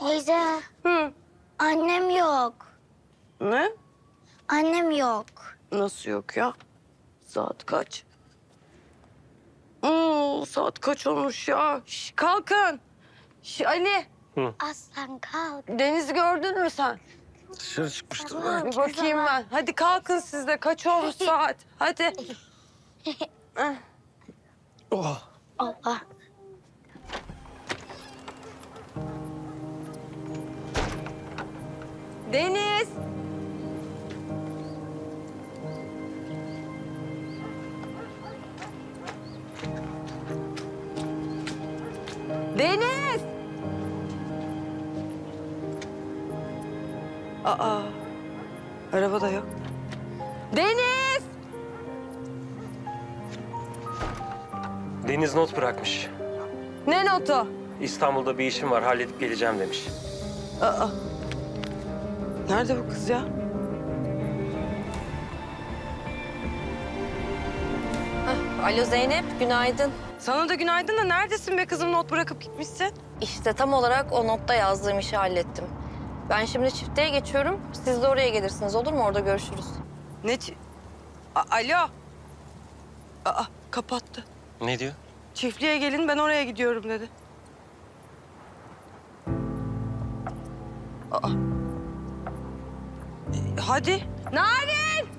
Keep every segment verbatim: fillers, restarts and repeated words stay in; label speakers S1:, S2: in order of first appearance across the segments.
S1: Teyze,
S2: Hı.
S1: annem yok.
S2: Ne?
S1: Annem yok.
S2: Nasıl yok ya? Saat kaç? Oo, saat kaç olmuş ya? Şş, kalkın. Şş, Ali,
S1: Aslan kalk.
S2: Deniz'i gördün mü sen?
S3: Dışarı çıkmıştır
S1: Tamam.
S3: belki.
S2: Bir bakayım ben. Hadi kalkın siz de. Kaç olmuş saat? Hadi. Eh,
S3: Oh.
S1: Allah.
S2: Deniz. Deniz. Aa, araba da yok. Deniz.
S3: Deniz not bırakmış.
S2: Ne notu?
S3: İstanbul'da bir işim var, halledip geleceğim demiş.
S2: Aa. Nerede bu kız ya?
S4: Alo Zeynep, günaydın.
S2: Sana da günaydın da neredesin be kızım, not bırakıp gitmişsin?
S4: İşte tam olarak o notta yazdığım işi hallettim. Ben şimdi çiftliğe geçiyorum. Siz de oraya gelirsiniz, olur mu? Orada görüşürüz.
S2: Ne çi- A- Alo. Aa, kapattı.
S3: Ne diyor?
S2: Çiftliğe gelin, ben oraya gidiyorum dedi. Aa. E, hadi. Narin!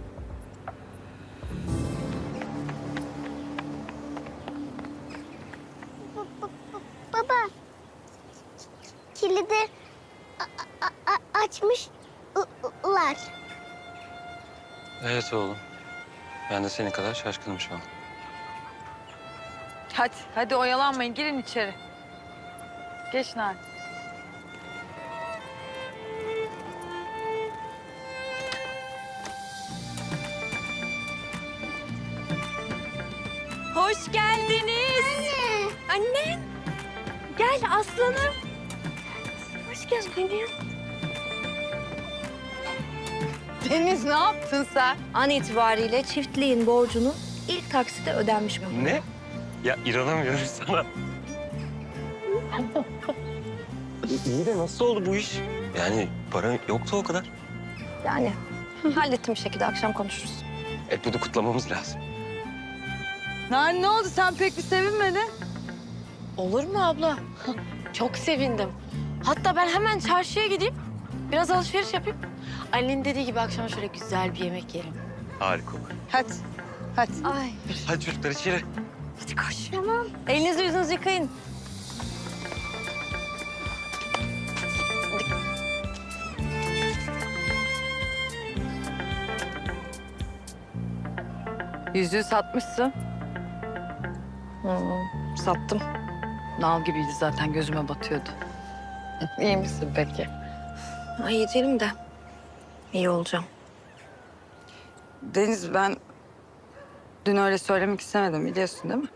S1: Baba. Kilidi a- a- a- açmışlar.
S3: Evet oğlum. Ben de senin kadar şaşkınım şu an.
S5: Hadi, hadi oyalanmayın. Girin içeri. Geç Narin.
S4: Hoş geldiniz. Anne. Anne. Gel aslanım. Hoş geldiniz.
S5: Deniz ne yaptın sen?
S4: An itibariyle çiftliğin borcunun ilk taksite ödenmiş mi?
S3: Ne? Ya inanamıyorum sana. İyi de nasıl oldu bu iş? Yani para yoktu o kadar.
S4: Yani hallettim bir şekilde. Akşam konuşuruz.
S3: E bunu kutlamamız lazım.
S5: Narin ne oldu? Sen pek bir sevinmedin.
S6: Olur mu abla? Çok sevindim. Hatta ben hemen çarşıya gideyim. Biraz alışveriş yapayım. Annenin dediği gibi akşam şöyle güzel bir yemek yiyelim.
S3: Harika olur.
S5: Hadi, hadi.
S6: Ay.
S3: Hadi çocuklar içeri.
S6: Hadi koş.
S4: Elinizi yüzünüzü yıkayın.
S5: Yüzüğü satmışsın.
S4: Hmm, sattım.
S5: Nal gibiydi zaten, gözüme batıyordu. İyi misin peki?
S4: Ay iyi değilim de iyi olacağım.
S5: Deniz, ben dün öyle söylemek istemedim, biliyorsun değil mi?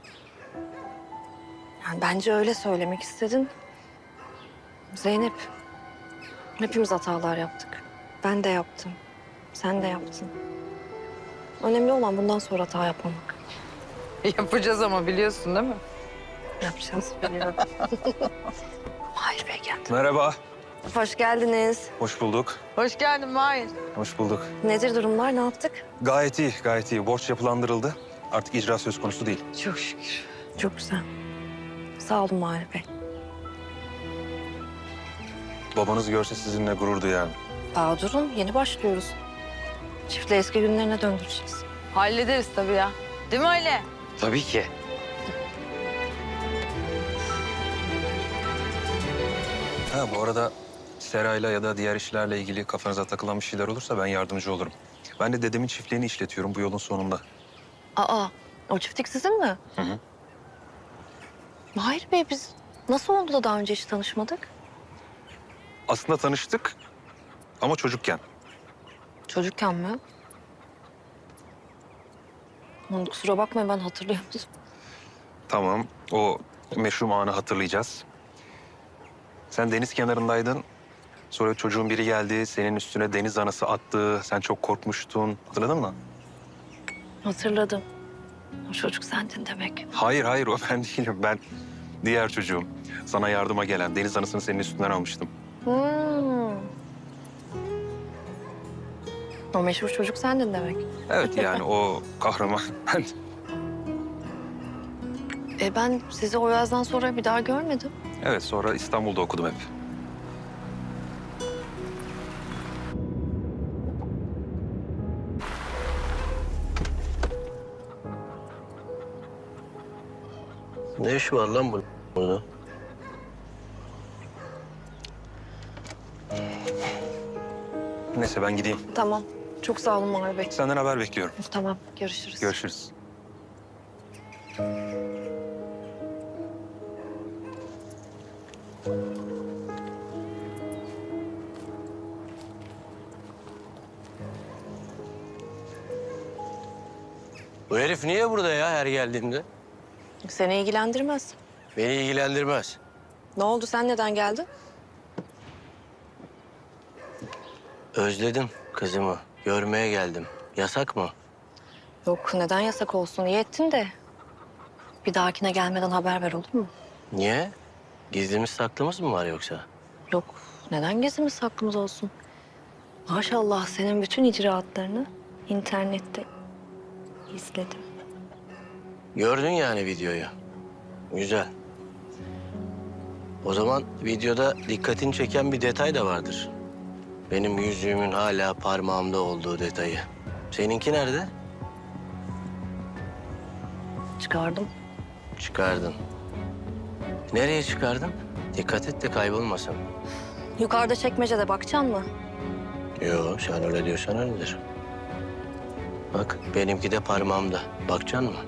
S4: Yani bence öyle söylemek istedin. Zeynep, hepimiz hatalar yaptık. Ben de yaptım. Sen de yaptın. Önemli olan bundan sonra hata yapmamak.
S5: Yapacağız ama biliyorsun değil mi?
S4: Yapacağız, biliyorum. Mahir Bey geldi.
S3: Merhaba.
S4: Hoş geldiniz.
S3: Hoş bulduk.
S5: Hoş geldin Mahir.
S3: Hoş bulduk.
S4: Nedir durumlar, ne yaptık?
S3: Gayet iyi, gayet iyi. Borç yapılandırıldı. Artık icra söz konusu değil.
S5: Çok şükür.
S4: Çok güzel. Sağ olun Mahir Bey.
S3: Babanız görse sizinle gurur duyar.
S4: Daha durun, yeni başlıyoruz. Çiftliği eski günlerine döndüreceğiz.
S5: Hallederiz tabii ya. Değil mi Ali?
S3: Tabii ki. Ha bu arada serayla ya da diğer işlerle ilgili kafanıza takılan bir şeyler olursa ben yardımcı olurum. Ben de dedemin çiftliğini işletiyorum bu yolun sonunda.
S4: Aa, o çiftlik sizin mi?
S3: Hı hı.
S4: Mahir Bey, biz nasıl oldu da daha önce hiç tanışmadık?
S3: Aslında tanıştık ama çocukken.
S4: Çocukken mi? Aman kusura bakmayın, ben hatırlayamadım.
S3: Tamam, o meşhum anı hatırlayacağız. Sen deniz kenarındaydın. Sonra çocuğun biri geldi, senin üstüne deniz anası attı. Sen çok korkmuştun. Hatırladın mı?
S4: Hatırladım. O çocuk sendin demek.
S3: Hayır, hayır o ben değilim. Ben Diğer çocuğum. Sana yardıma gelen deniz anasını senin üstünden almıştım.
S4: Hmm. O meşhur çocuk sendin demek.
S3: Evet yani o kahraman. Ben
S4: E ben sizi o yazdan sonra bir daha görmedim.
S3: evet sonra İstanbul'da okudum hep.
S7: Ne işi var lan bu- burada?
S3: Neyse ben gideyim.
S4: Tamam. Çok sağ olun Mavi Bey.
S3: Senden haber bekliyorum.
S4: Tamam, görüşürüz.
S3: Görüşürüz.
S7: Bu herif niye burada ya her geldiğimde?
S4: Seni ilgilendirmez.
S7: Beni ilgilendirmez.
S4: Ne oldu, sen neden geldin?
S7: Özledim kızımı. Görmeye geldim. Yasak mı?
S4: Yok, neden yasak olsun? İyi ettin de. Bir dahakine gelmeden haber ver, olur mu?
S7: Niye? Gizlimiz saklımız mı var yoksa?
S4: Yok, neden gizlimiz saklımız olsun? Maşallah senin bütün icraatlarını internette izledim.
S7: Gördün yani videoyu. Güzel. O zaman videoda dikkatini çeken bir detay da vardır. Benim yüzüğümün hala parmağımda olduğu detayı. Seninki nerede?
S4: Çıkardım.
S7: Çıkardın. Nereye çıkardın? Dikkat et de kaybolmasın.
S4: Yukarıda çekmecede bakacaksın mı?
S7: Yo, sen öyle diyorsan öyledir. Bak, benimki de parmağımda. Bakacaksın mı?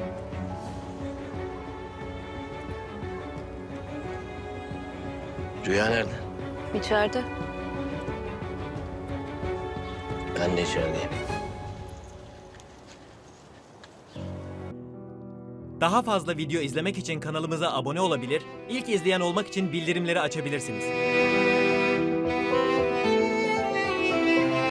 S7: Rüya nerede?
S4: İçeride.
S7: Ben de içerideyim.
S8: Daha fazla video izlemek için kanalımıza abone olabilir, ilk izleyen olmak için bildirimleri açabilirsiniz.